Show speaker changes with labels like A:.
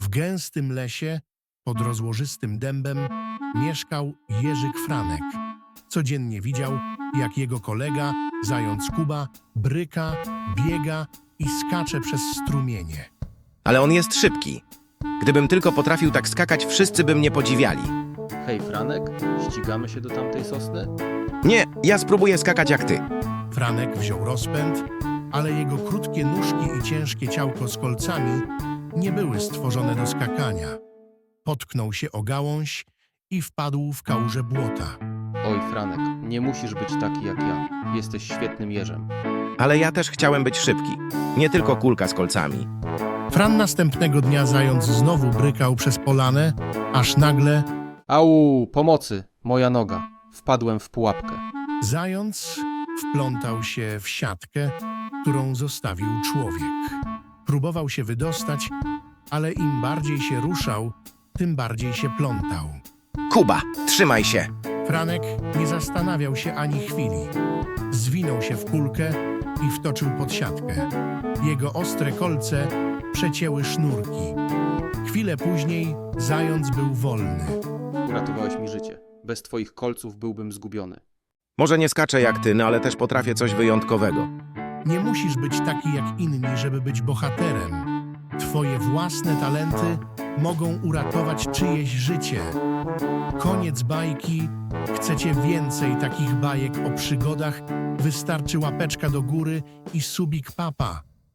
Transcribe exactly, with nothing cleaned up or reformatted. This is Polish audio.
A: W gęstym lesie, pod rozłożystym dębem, mieszkał Jerzyk Franek. Codziennie widział, jak jego kolega, zając Kuba, bryka, biega i skacze przez strumienie.
B: Ale on jest szybki. Gdybym tylko potrafił tak skakać, wszyscy by mnie podziwiali.
C: Hej, Franek, ścigamy się do tamtej sosny?
B: Nie, ja spróbuję skakać jak ty.
A: Franek wziął rozpęd, ale jego krótkie nóżki i ciężkie ciałko z kolcami nie były stworzone do skakania. Potknął się o gałąź i wpadł w kałużę błota.
C: Oj, Franek, nie musisz być taki jak ja. Jesteś świetnym jeżem.
B: Ale ja też chciałem być szybki. Nie tylko kulka z kolcami.
A: Fran następnego dnia zając znowu brykał przez polanę, aż nagle
C: Au, pomocy, moja noga. Wpadłem w pułapkę.
A: zając wplątał się w siatkę, którą zostawił człowiek. Próbował się wydostać, ale im bardziej się ruszał, tym bardziej się plątał.
B: Kuba, trzymaj się!
A: Franek nie zastanawiał się ani chwili. Zwinął się w kulkę i wtoczył pod siatkę. Jego ostre kolce przecięły sznurki. Chwilę później zając był wolny.
C: Uratowałeś mi życie. Bez twoich kolców byłbym zgubiony.
B: Może nie skaczę jak ty, no ale też potrafię coś wyjątkowego.
A: Nie musisz być taki jak inni, żeby być bohaterem. Twoje własne talenty mogą uratować czyjeś życie. Koniec bajki. Chcecie więcej takich bajek o przygodach? Wystarczy łapeczka do góry i subik papa.